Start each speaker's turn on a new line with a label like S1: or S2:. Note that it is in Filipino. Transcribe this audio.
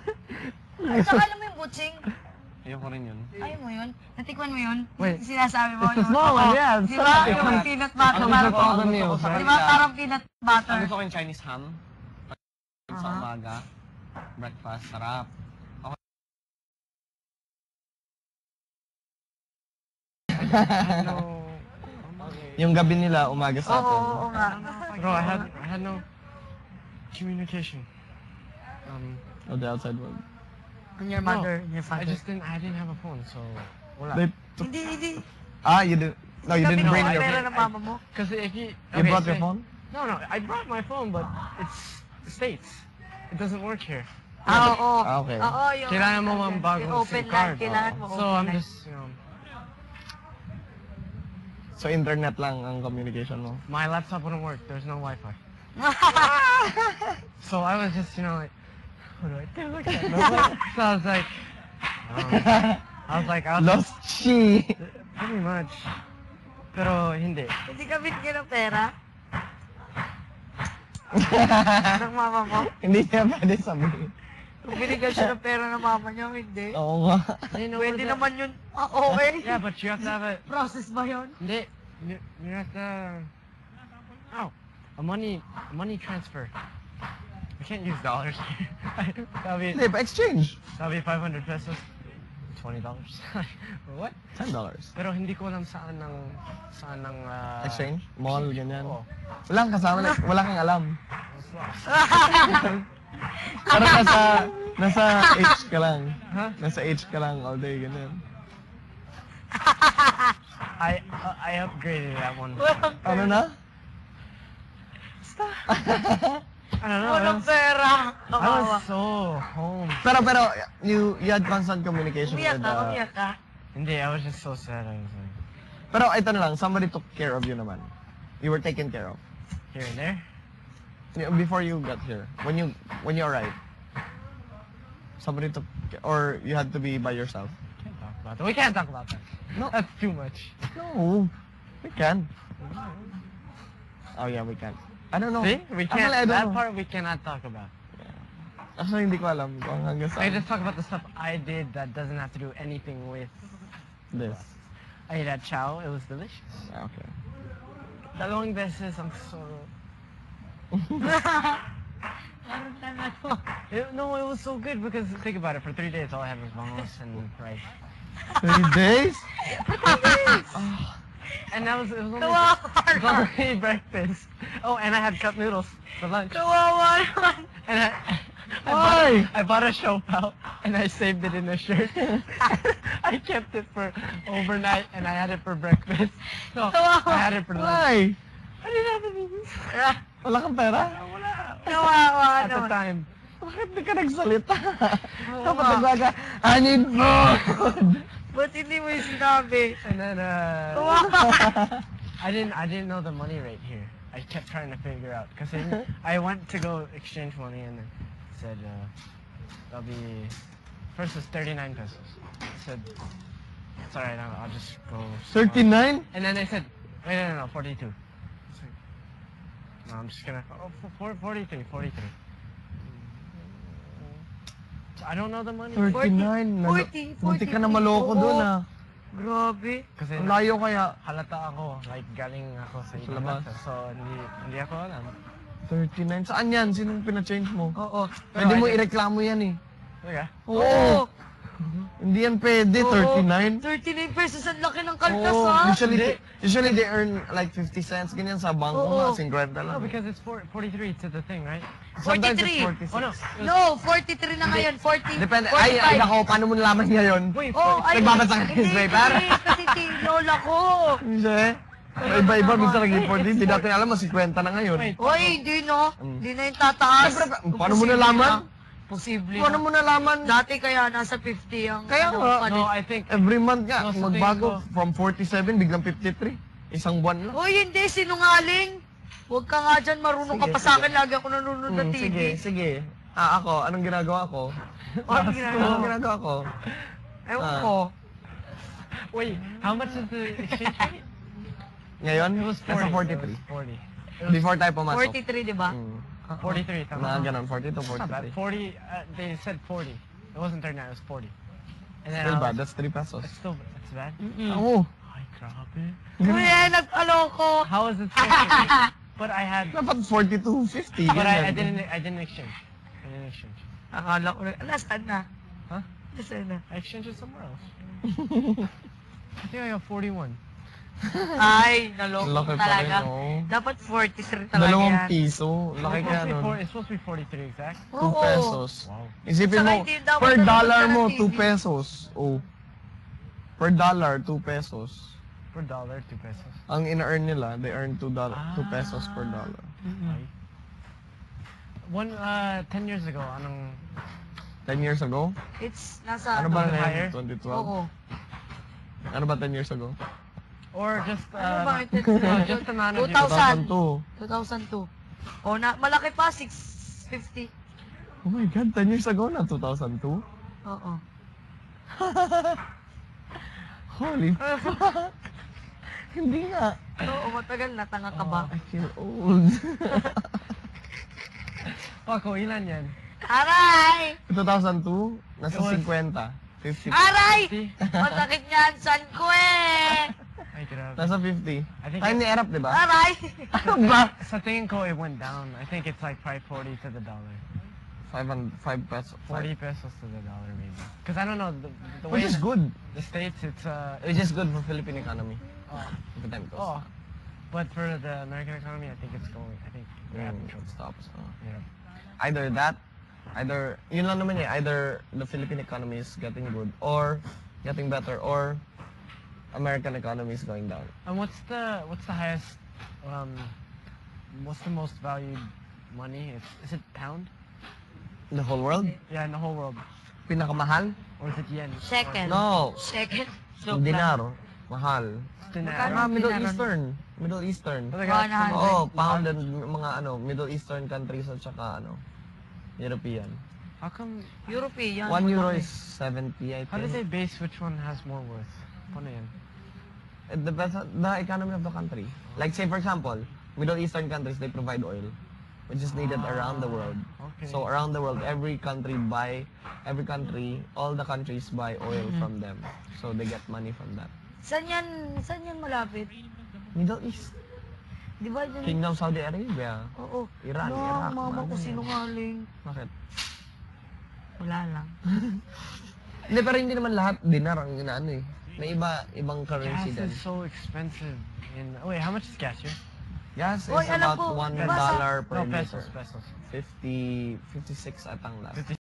S1: At saka alam mo yung butching?
S2: Ayoko rin yun.
S1: Ayaw mo yun? Natikman mo yun?
S3: Wait.
S1: Sinasabi mo.
S3: It's a small one, yeah.
S1: Di ba? Yung peanut butter. Di ba? Parang peanut butter.
S2: Gusto ko yung Chinese ham. Sa umaga. Breakfast. Sarap.
S3: Yung gabi nila, umaga sa atin.
S1: Oo nga.
S4: Bro, I had no communication.
S3: Of the outside world.
S1: And your mother, and your
S4: I
S1: father.
S4: didn't have a phone, so wala.
S1: Hindi.
S3: You didn't. No, you didn't bring your
S1: pera
S3: phone.
S1: ng mama mo.
S4: Because if you
S3: You brought your phone?
S4: No, I brought my phone, but it's States. It doesn't work here.
S1: Oo.
S3: Okay.
S1: Oo, yung...
S4: Kailangan mo mang bagong
S1: open
S4: SIM
S1: line,
S4: card.
S1: kailangan mo
S4: So
S1: open
S4: I'm
S1: line.
S4: just,
S3: So internet lang ang communication mo.
S4: my laptop wouldn't work. There's no Wi-Fi. So I was just, like, what do I do? So I was like,
S3: Lost she.
S4: pretty much. Pero hindi.
S1: Hindi ka binigyan ng pera? Ng mama mo?
S3: Hindi niya pwede sabihin.
S1: Kung binigyan siya ng pera ng mama niya, hindi.
S3: Oo nga.
S1: Pwede naman yun. Okay.
S4: Yeah, but you have to have a...
S1: Process ba yun?
S4: Hindi. You have to... A money transfer. We can't use dollars here.
S3: Hindi, pa-exchange.
S4: That'll be 500 pesos. $20. What?
S3: $10.
S4: Pero hindi ko alam saan ng
S3: Exchange? Mall, ganyan.
S4: Oo.
S3: Wala kang kasama, wala kang alam. Parang nasa H ka lang.
S4: Huh?
S3: Nasa H ka lang all day, ganyan.
S4: I upgraded that one.
S3: Ano na?
S4: I don't know.
S1: Walang pera.
S4: I was so home.
S3: Pero, you had constant communication
S1: Umiyak
S3: with...
S1: ka, umiyak ka.
S4: Hindi, I was just so sad. I was like,
S3: Pero ito na lang, somebody took care of you naman. You were taken care of.
S4: here and there.
S3: Before you got here, when you arrived, somebody took, or you had to be by yourself.
S4: Can't talk about that. We can't talk about that.
S3: No.
S4: That's too much.
S3: No, we can. Oh yeah, we can. I don't know.
S4: See? We can't.
S3: Actually, I don't
S4: That
S3: know.
S4: part we cannot talk about.
S3: Actually, hindi ko alam kung hanggang
S4: I
S3: saan.
S4: just talk about the stuff I did that doesn't have to do anything with
S3: This.
S4: I ate at Chow. It was delicious.
S3: Okay.
S4: Dalawang beses ang so... No, it was so good because think about it. For 3 days, all I had was bangos and rice.
S3: 3 days?
S4: And it was only
S1: Kawawa.
S4: breakfast. Oh, and I had cup noodles for lunch.
S1: Kawawa naman.
S4: And
S3: Why?
S4: I bought a show pal and I saved it in a shirt. I kept it for overnight and I had it for breakfast. So I had it for lunch.
S3: Why?
S4: I didn't have any.
S3: Wala kang pera?
S1: Kawawa
S4: At the
S1: naman.
S4: time.
S3: Bakit di ka nagsalita? Dapat nagwaga, I need food!
S1: Ba't hindi mo yung sinabi?
S4: And then
S1: Kawawa.
S4: I didn't know the money rate here. I kept trying to figure out because I went to go exchange money and it said that'll be first was 39 pesos. I said it's alright, I'll just go.
S3: 39?
S4: And then they said wait no 42. I was like, no, I'm just gonna 43. So I don't know the money.
S3: 39?
S1: 40,
S3: Munti ka na maloko doon ah.
S1: Grabe.
S4: Kasi
S3: Ang layo kaya.
S4: halata ako, like galing ako sa ibang
S3: labas.
S4: bansa. So hindi ako alam.
S3: 39? Saan yan? Sinong pina-change mo?
S1: Oo.
S3: Pwede
S4: Pero
S3: mo
S4: I just-
S3: ireklamo yan eh.
S4: Okay.
S3: Oo! Hindi yan pwede, 39?
S1: 39 pesos, ang laki ng kaltas
S3: Oo,
S1: ha?
S3: usually they earn like 50 cents, ganyan sa bangko
S1: Oo.
S3: mga 50 lang.
S4: No, because it's 43 to the thing, right?
S3: Sometimes
S1: 43.
S3: it's 46.
S4: Oh no.
S1: No, 43 na ngayon, 40.
S3: Depende.
S1: 45.
S3: Ay, nako, paano mo nalaman ngayon?
S4: Wait,
S1: Oh, ay,
S3: Nagbabasa ka ng
S1: hindi,
S3: newspaper?
S1: hindi, kasi lola ko.
S3: Hindi. Iba-iba, minsan naging 40, hindi natin alam, mas 50 na ngayon.
S4: Wait.
S1: Oy, hindi no. Hindi na yung tataas.
S3: Siyempre, paano mo nalaman?
S1: Posible
S3: Paano
S1: na.
S3: mo nalaman?
S1: Dati kaya nasa 50 ang
S3: Kaya nga.
S4: No, I think
S3: Every month nga,
S4: No, sa
S3: magbago.
S4: tingin
S3: From 47, biglang 53. Isang buwan lang.
S1: Hoy, hindi, sinungaling. Huwag ka nga dyan, marunong ka
S3: Sige,
S1: pa sa akin. Lagi ako nanonood ng TV.
S3: Sige. Ako, anong ginagawa ko?
S1: Anong ginagawa?
S3: Anong ginagawa ko?
S1: Ewan ko.
S4: wait, how much is the exchange rate?
S3: Ngayon,
S4: It was 40.
S3: nasa 43.
S4: It was 40.
S3: Before tayo pumasok.
S1: 43, di ba?
S3: Mm.
S4: 43.
S3: Mga
S4: Tama.
S3: ganun, 40 to
S4: It's not bad.
S3: 43.
S4: 40. They said 40. It wasn't 39. It was 40. And then
S3: Still
S4: I
S3: bad,
S4: was,
S3: that's 3 pesos.
S4: it's bad.
S3: Oo.
S4: Ay, grabe.
S1: Kuya, nag-aloko.
S4: How is it so cheap? But I had.
S3: Dapat 42, 50.
S4: But I
S3: ganyan.
S4: didn't exchange. I didn't exchange.
S1: Akala ko na, nasaan na?
S4: Huh?
S1: Nasaan na?
S4: I exchanged it somewhere else. I think I got 41.
S1: Ay, naloko
S3: Laki
S1: ko
S3: pa rin,
S1: talaga.
S3: oh.
S1: Dapat 43 talaga
S3: Dalawang
S1: yan.
S3: piso. Laki kaya nun.
S4: It's supposed to be 43 exact.
S3: 2
S1: Oo.
S3: pesos.
S4: Wow.
S3: Isipin
S1: Saka
S3: mo,
S1: hindi dapat
S3: per
S1: nanonood
S3: dollar
S1: ka ng
S3: mo,
S1: TV.
S3: 2 pesos. Oh. Per dollar, 2 pesos.
S4: Per dollar, 2 pesos.
S3: Ang ina-earn nila, they earn $2 pesos per dollar.
S4: Ay. 10 years ago, anong
S3: 10 years ago?
S1: It's nasa
S3: Ano ba na
S4: higher?
S3: yan? 2012?
S1: Oo.
S3: Ano ba 10 years ago?
S4: or just
S1: Ano ba ito?
S4: just amount of
S1: 2000.
S3: 2002.
S1: 2002. O, malaki pa, 650.
S3: Oh my God, 10 years ago na, 2002?
S1: Oo.
S3: Holy fuck! Hindi nga.
S1: Oo, matagal na, tanga ka ba?
S3: I feel old.
S4: Paco, ilan yan?
S1: Aray!
S3: 2002, nasa
S4: It was-
S3: 50. 50.
S1: Aray!
S4: 50?
S1: Masakit niyan, san ko eh!
S4: Ay, grabe.
S3: Nasa 50.
S4: I think
S3: Time ni Erap, di ba?
S1: Aray!
S3: Ano ba?
S4: Sa tingin ko, it went down. I think it's like probably 40 to the dollar.
S3: 5 pesos.
S4: 40 pesos to the dollar, maybe. Because I don't know, the way
S3: Which is
S4: in
S3: good.
S4: the States, it's,
S3: Which is good for Philippine economy.
S4: oh,
S3: If the time goes.
S4: oh. But for the American economy, I think it's going, I think we're having trouble.
S3: Stops.
S4: Yeah.
S3: Either that, yun lang naman eh, either the Philippine economy is getting good, or getting better, or American economy is going down.
S4: And what's the highest, what's the most valued money? Is it pound?
S3: The whole world?
S4: Yeah, in the whole world.
S3: Pinakamahal?
S4: Or is it yen?
S1: Second.
S3: No.
S1: Second. Joke lang.
S3: Dinar. Mahal.
S4: Dinar.
S1: Magkano?
S3: Middle
S1: Dinaron.
S3: Eastern. Middle Eastern.
S4: Oh, they
S1: Mga
S4: got
S1: nahan-
S3: Oo, pound and mga Middle Eastern countries at saka European.
S4: How come,
S1: European.
S3: 1 euro
S1: malaki.
S3: is 70, I
S4: how do they
S3: think.
S4: base which one has more worth? Paano yan?
S3: It depends on the economy of the country. Like say for example, Middle Eastern countries, they provide oil, which is needed around the world.
S4: Okay.
S3: So around the world, all the countries buy oil from them. So they get money from that.
S1: Saan yan malapit?
S3: Middle East,
S1: Di ba dyan?
S3: Kingdom Saudi Arabia.
S1: Oo.
S3: Iran,
S1: No,
S3: Iraq,
S1: mama ko
S3: mga ganyan.
S1: sinungaling.
S3: Bakit?
S1: Wala lang.
S3: Hindi, pero hindi naman lahat dinar ang inaano eh. May ibang currency
S4: Gas
S3: din.
S4: is so expensive. Wait, how much is gas here?
S3: Gas is
S1: Oy, alam
S3: about
S1: ko,
S3: $1
S1: diba sa-
S3: per
S4: No,
S3: liter.
S4: pesos.
S3: 56 atang last.